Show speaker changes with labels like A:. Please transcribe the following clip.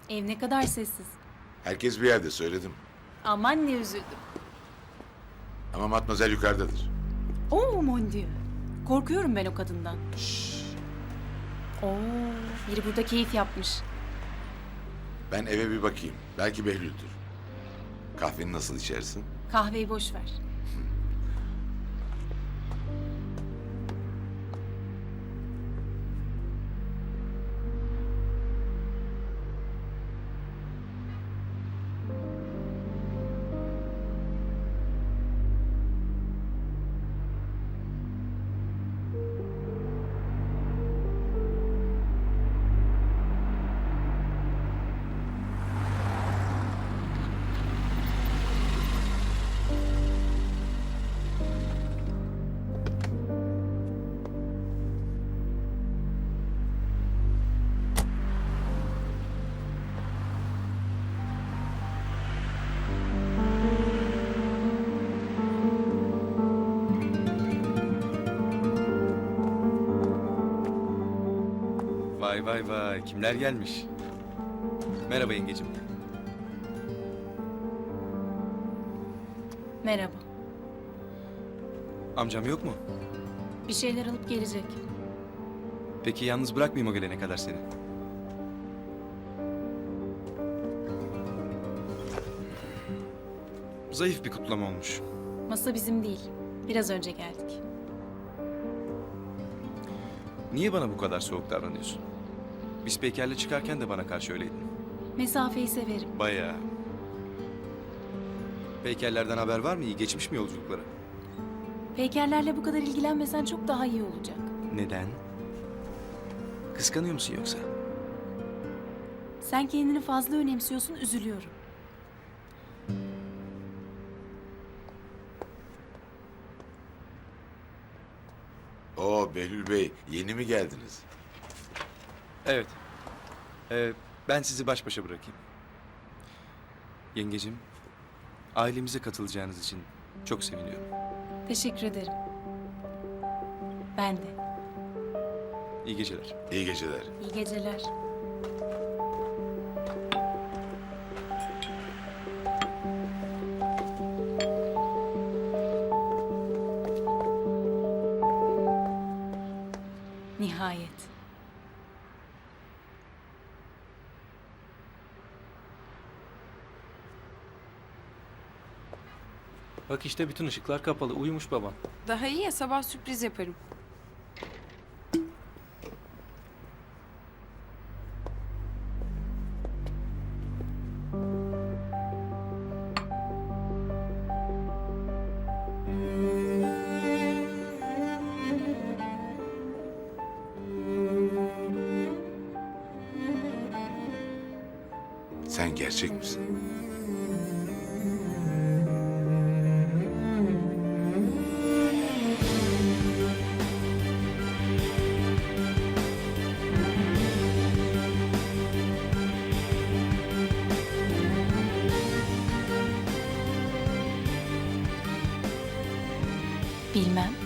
A: Ev ne kadar sessiz.
B: Herkes bir yerde söyledim.
A: Aman ne üzüldüm.
B: Ama Matmazel yukarıdadır.
A: Oo mon dieu. Korkuyorum ben o kadından. Oo, biri burada keyif yapmış.
B: Ben eve bir bakayım. Belki Behlül'dür. Kahveni nasıl içersin?
A: Kahveyi boş ver.
C: Vay vay vay, kimler gelmiş? Merhaba yengecim.
A: Merhaba.
C: Amcam yok mu?
A: Bir şeyler alıp gelecek.
C: Peki yalnız bırakmayayım o gelene kadar seni. Zayıf bir kutlama olmuş.
A: Masa bizim değil. Biraz önce geldik.
C: Niye bana bu kadar soğuk davranıyorsun? Biz Peyker'le çıkarken de bana karşı öyleydin.
A: Mesafeyi severim.
C: Bayağı. Peyker'lerden haber var mı? İyi geçmiş mi yolculukları?
A: Peykerlerle bu kadar ilgilenmesen çok daha iyi olacak.
C: Neden? Kıskanıyor musun yoksa?
A: Sen kendini fazla önemsiyorsun, üzülüyorum.
B: Oo Behlül Bey, yeni mi geldiniz?
C: Evet. Ben sizi baş başa bırakayım. Yengecim, ailemize katılacağınız için çok seviniyorum.
A: Teşekkür ederim. Ben de.
C: İyi geceler.
B: İyi geceler.
A: İyi geceler. Nihayet.
D: Bak işte bütün ışıklar kapalı. Uyumuş baban.
E: Daha iyi ya, sabah sürpriz yaparım.
B: Sen gerçek misin?
A: Bilmem.